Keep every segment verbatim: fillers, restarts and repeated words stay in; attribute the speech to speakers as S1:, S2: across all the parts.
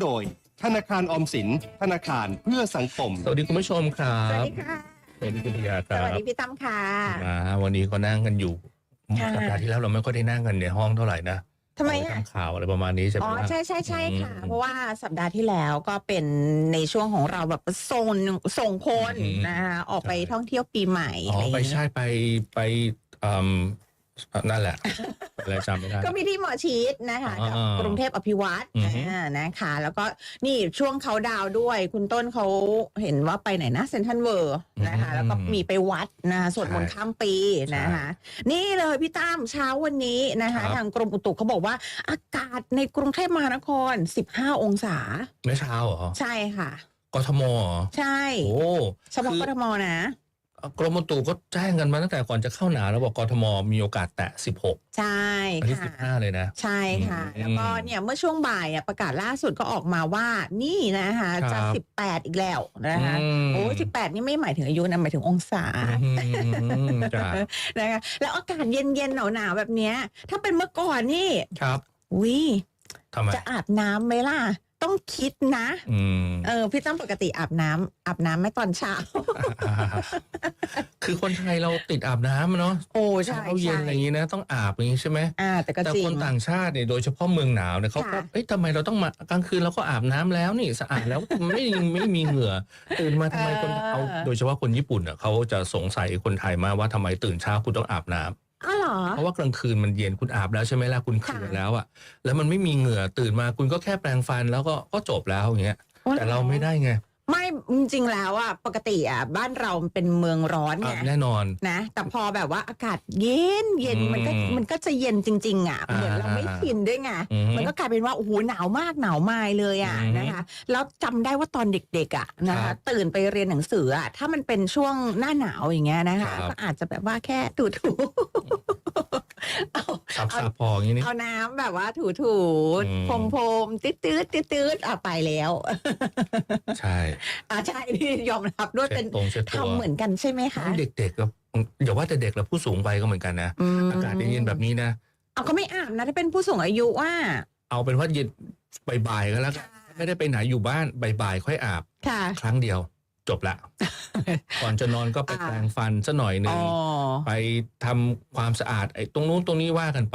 S1: โดยธนาคารออมสินธนาคารเพื่อสังคม
S2: สวัสดีคุณผู้ชมครับ
S3: สวัสดีค่ะ
S2: สวัสดีคุณพิยาค
S3: ส
S2: รับ
S3: วัสดีพี่ตั้มค่ะ
S2: มาวันนี้ก็นั่งกันอยู่สัปดาห์ที่แล้วเราไม่ค่อยได้นั่งกันในห้องเท่าไหร่นะ
S3: ทำไมอ่ะ
S2: ทำข่าวอะไรประมาณนี้ใช่ไหม
S3: อ๋อใช่ใช่ใช่ค่ะ เพราะว่าสัปดาห์ที่แล้วก็เป็นในช่วงของเราแบบส่งส่งคนนะคะออกไปท่องเที่ยวปีใหม่
S2: อ๋อไปใช่ไปไปอืมนั่นแหละอะไรจำไม่ได้
S3: ก็มีที่หมอชิดนะคะกับกรุงเทพอภิวัตรนะคะ แล้วก็นี่ช่วงเขาดาวด้วยคุณต้นเขาเห็นว่าไปไหนนะเซนทรัลเวิลด์นะคะแล้วก็มีไปวัดนะสวดมนต์ข้ามปีนะคะนี่เลยพี่ตั้มเช้าวันนี้นะคะทางกรมอุตุเขาบอกว่าอากาศในกรุงเทพมหานครสิบห้าองศา
S2: ไม่เช้าเหรอ
S3: ใช่ค่ะ
S2: กทมเหรอ
S3: ใช่
S2: โอ้
S3: เฉพาะกทมนะ
S2: กรมอุตุก็แจ้งกันมาตั้งแต่ก่อนจะเข้าหนาวแล้วบอกกทมมีโอกาสแตะสิบหก
S3: ใช่ค่ะ
S2: ที่สิบห้าเลยนะ
S3: ใช่ค่ะแล้วก็เนี่ยเมื่อช่วงบ่ายประกาศล่าสุดก็ออกมาว่านี่นะคะจะสิบแปดอีกแล้วนะคะโอ้สิบแปดนี่ไม่หมายถึงอายุนะหมายถึงองศานะคะแล้วอากาศเย็นๆหนาวๆแบบเนี้ยถ้าเป็นเมื่อก่อนนี่
S2: ครับ
S3: วิ
S2: ทำไม
S3: จะอาบน้ำไหมล่ะต้องคิดนะเออพี่ตั้มปกติอาบน้ำอาบน้ำไม่ตอนเช้า
S2: คือคนไทยเราติดอาบน้ำเนาะ
S3: โอ้ใช่
S2: เช้าเย็นอะไรอย่างนี้นะต้องอาบอย่างนี้ใช่ไหม
S3: อ่าแต่ก็จริง
S2: แต่คนต่างชาติเนี่ยโดยเฉพาะเมืองหนาวเนี่ยเขาก็เอ้ยทำไมเราต้องมากลางคืนเราก็อาบน้ำแล้วนี่สะอาดแล้วไม่ไม่มีเหงื่อตื่นมาทำไมคนเอาโดยเฉพาะคนญี่ปุ่นอ่ะเขาจะสงสัยคนไทยมากว่าทำไมตื่นเช้าคุณต้องอาบน้ำ
S3: อ๋อเหรอ
S2: เพราะว่ากลางคืนมันเย็นคุณอาบแล้วใช่ไหมล่ะคุณเคืนแล้วอ่ะแล้วมันไม่มีเหงื่อตื่นมาคุณก็แค่แปรงฟันแล้วก็ก็จบแล้วอย่างเงี้ยแต่เราไม่ได้ไง
S3: ไม่จริงๆแล้วอ่ะปกติอ่ะบ้านเราเป็นเมืองร้อนไง
S2: แน่นอน
S3: นะแต่พอแบบว่าอากาศเย็นเย็นมันก็มันก็จะเย็นจริงๆอ่ะเหมือนเราไม่ชินด้วยไงมันก็กลายเป็นว่าโอ้โหหนาวมากหนาวมายเลยอ่ะนะคะแล้วจำได้ว่าตอนเด็กๆอ่ะนะคะตื่นไปเรียนหนังสืออ่ะถ้ามันเป็นช่วงหน้าหนาวอย่างเงี้ยนะคะก็อาจจะแบบว่าแค่ถูๆ
S2: เอาสับๆพออย่างนี้
S3: เอาน้ำแบบว่าถูๆพรมพรมตืดตืดตืดตืดอ่ะไปแล้ว
S2: ใช่
S3: อ่าใช่ที่ยอมรับด้วยเป็นทำเหมือนกันใช่ไหมคะ
S2: เด็กๆก็อย่าว่าแต่เด็กแล้วผู้สูงวัยก็เหมือนกันนะอากาศเย็นๆแบบนี้นะ
S3: เอาก็ไม่อาบนะถ้าเป็นผู้สูงอายุว่า
S2: เอาเป็นว่าเย็นบ่ายๆก็แล้วไม่ได้ไปไหนอยู่บ้านบ่ายๆค่อยอาบครั้งเดียวจบละก่อนจะนอนก็ไปแปรงฟันซะหน่อยนึงไปทำความสะอาดไอ้ตรงนู้นตรงนี้ว่ากันไป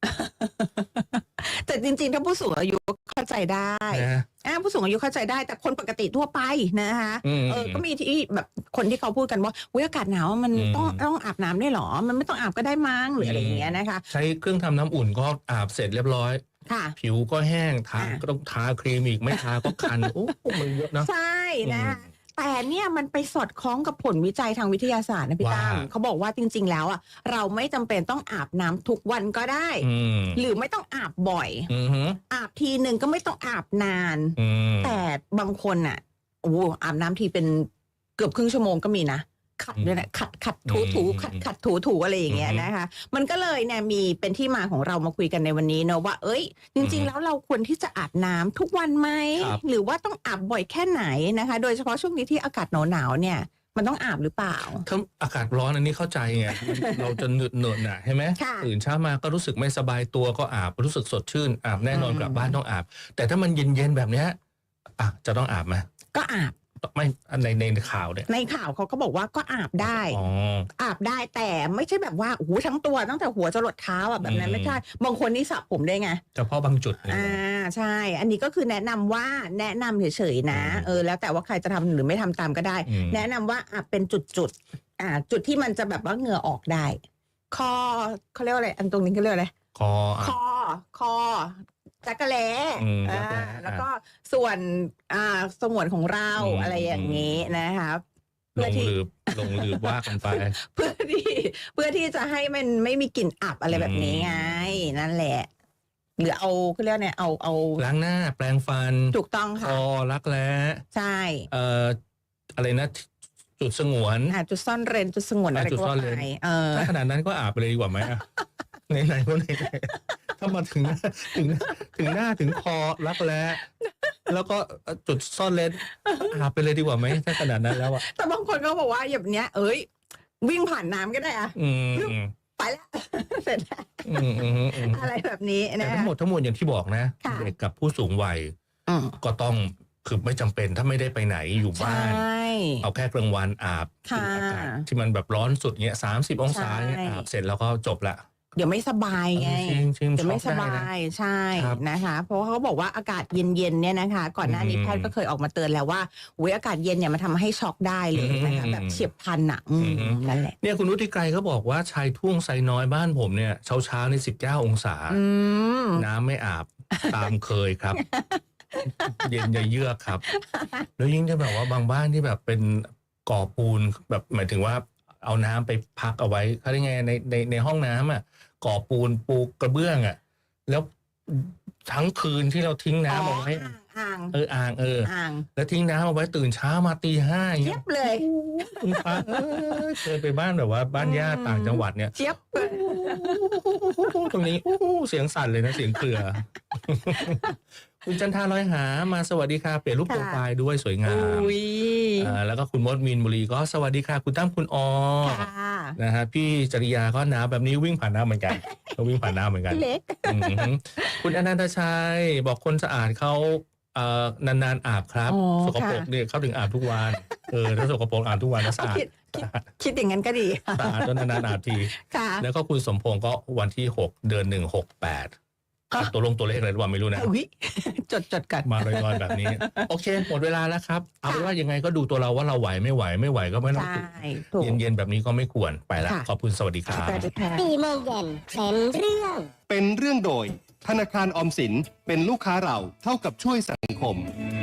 S3: แต่จริงๆถ้าผู้สูงอายุเข้าใจได้อ่าผู้สูงอายุเข้าใจได้แต่คนปกติทั่วไปนะคะเออก็มีที่แบบคนที่เขาพูดกันว่าอากาศหนาวมันต้องต้องอาบน้ำได้หรอมันไม่ต้องอาบก็ได้มั้งหรืออะไรอย่างเงี้ยนะคะ
S2: ใช้เครื่องทำน้ำอุ่นก็อาบเสร็จเรียบร้อย
S3: ค่ะ
S2: ผิวก็แห้งทาก็ต้องทาครีมอีกไม่ทาก็คันโอ้มันเยอะนะ
S3: ใช่นะแต่เนี่ยมันไปสอดคล้องกับผลวิจัยทางวิทยาศาสตร์นะพี่ตั้มเขาบอกว่าจริงๆแล้วอ่ะเราไม่จำเป็นต้องอาบน้ำทุกวันก็ได้หรือไม่ต้องอาบบ่อยอาบทีหนึ่งก็ไม่ต้องอาบนานแต่บางคนอ่ะโอ้อาบน้ำทีเป็นเกือบครึ่งชั่วโมงก็มีนะขัดด้วยนะขัดขัดถูถูขัดขัดถูถูอะไรอย่างเงี้ยนะคะมันก็เลยเนี่ยมีเป็นที่มาของเรามาคุยกันในวันนี้เนอะว่าเอ้ยจริงๆแล้วเราควรที่จะอาบน้ำทุกวันไหมหรือว่าต้องอาบบ่อยแค่ไหนนะคะโดยเฉพาะช่วงนี้ที่อากาศหนาวๆเนี่ยมันต้องอาบหรือเปล่า
S2: ถ้าอากาศร้อนอันนี้เข้าใจไงเราจะเหนื่อยเหนื่อยหน่ะใช่ไหมตื่นเช้ามาก็รู้สึกไม่สบายตัวก็อาบรู้สึกสดชื่นอาบแน่นอนกลับบ้านต้องอาบแต่ถ้ามันเย็นๆแบบเนี้ยอ่ะจะต้องอาบไหม
S3: ก็อาบ
S2: ไม่ในในข่าวเนี่ย
S3: ในข่าวเขาก็บอกว่าก็อาบได้อาบได้แต่ไม่ใช่แบบว่าโอ้โหทั้งตัวตั้งแต่หัวจรดเท้าอ่ะแบบนั้นไม่ใช่บางคนนี่สระผมได้ไง
S2: เฉพาะบางจุด
S3: อ่าใช่อันนี้ก็คือแนะนำว่าแนะนำเฉยๆนะเออแล้วแต่ว่าใครจะทำหรือไม่ทำตามก็ได้แนะนำว่าอาบเป็นจุดๆอ่าจุดที่มันจะแบบว่าเหงื่อออกได้คอเขาเรียกว่าอะไรอันตรงนี้เขาเรียกอะไร
S2: คอ
S3: คอคอจักระแล้แล้วก็ส่วนอ่าสงวนของเราอะไรอย่างนี้นะครับ
S2: เพื่อที่ลงลืบว่ากันไป
S3: เพื่อที่เพื่อที่จะให้มันไม่มีกลิ่นอับอะไรแบบนี้ไงนั่นแหละหรือเอาเขาเรียกเนี่ยเอาเอา
S2: ล้างหน้าแปรงฟัน
S3: ถูกต้องค่ะ
S2: คอรักแร้
S3: ใช่
S2: เอ่ออะไรนะจุดสงวน
S3: อ่าจุดซ่อนเร้นจุดสงวนอะไรก็ว่าไปเออ
S2: ขนาดนั้นก็อาบเลยดีกว่าไหมไหนไหนก็ไหนถ้ามาถึงถึงถึงหน้าถึงคอรักแร้แล้วก็จุดซ่อนเลนอาบไปเลยดีกว่าไหมถ้าขนาดนั้นแล้วอะ
S3: แต่บางคนก็บอกว่าอย่างเนี้ยเอ้ยวิ่งผ่านน้ำก็ได้อะไปแล้วเสร็จแล้วอะไรแบบนี้นะ
S2: แต่ทั้งหมดทั้งมวลอย่างที่บอกนะเด็กกับผู้สูงวัยก็ต้องคือไม่จำเป็นถ้าไม่ได้ไปไหนอยู่บ้านเอาแค่กลางวันอาบอากาศที่มันแบบร้อนสุดเงี้ยสามสิบองศาเงี้ยอาบเสร็จแล้วก็จบละ
S3: เดี๋ยวไม่สบายไงเดี๋ยวไม่สบายใช่นะคะเพราะว่าเขาบอกว่าอากาศเย็นๆเนี่ยนะคะก่อนหน้านี้แพทย์ก็เคยออกมาเตือนแล้วว่าอุ้ยอากาศเย็นเนี่ยมันทำให้ช็อกได้เลยนะคะแบบเฉียบพลันอ่ะนั่นแหละ
S2: เนี่ยคุณวุฒิไกรเขาบอกว่าชายทุ่งไซน้อยบ้านผมเนี่ยเช้าเช้าในสิบเก้าองศาน้ำไม่อาบตามเคยครับเย็นเยือกครับแล้วยิ่งจะแบบว่าบางบ้านที่แบบเป็นก่อปูนแบบหมายถึงว่าเอาน้ำไปพักเอาไว้เขาได้ไงในในในห้องน้ำอ่ะก่อปูนปูกระเบื้องอ่ะแล้วทั้งคืนที่เราทิ้งน้ำเอาไว้
S3: อ่าง
S2: เอออ่างเออ
S3: อ่าง
S2: แล้วทิ้งน้ำเอาไว้ตื่นเช้ามาตีห้า
S3: เจี๊ยบเลย
S2: คุณฟ้าเคยไปบ้านแบบว่าบ้านญาติต่างจังหวัดเนี่ย
S3: เจี๊ยบ
S2: ตรงนี้เสียงสั่นเลยนะเสียงเกลือคุณจันทาลอยหามาสวัสดีค่ะเปลี่ยนรูปโปรไฟล์ด้วยสวยงามอ่าแล้วก็คุณมดมินบุรีก็สวัสดีค่ะคุณตั้มคุณออนะฮะพี่จริยาก็หนาวแบบนี้วิ่งผ่านน้ำเหมือนกันก็วิ่งผ่านน้ำเหมือนกันคุณอนันตชัยบอกคนสะอาดเขาเอ่อนานๆอาบครับสกปรกเนี่ยเขาถึงอาบทุกวันเออถ้าสกปรกอาบทุกวันก็สะอาด
S3: คิดอย่างนั้นก็ดี
S2: สะอาดจนนานๆอาบทีแล้วก็คุณสมพงศ์ก็วันที่หกเดือนหนึ่งหกแปดตัวลงตัวเลขอะไรหรือเปล่าไม่รู้นะ
S3: จดจดกัน
S2: มาลอยๆแบบนี้โอเคหมดเวลาแล้วครับเอาเป็นว่ายังไงก็ดูตัวเราว่าเราไหวไม่ไหวไม่ไหวก็ไม่ต้องเย็นๆแบบนี้ก็ไม่ควรไปละขอบคุณสวัสดีครับ
S4: สี่โมงเย็นเป็นเรื่อง
S1: เป็นเรื่องโดยธนาคารออมสินเป็นลูกค้าเราเท่ากับช่วยสังคม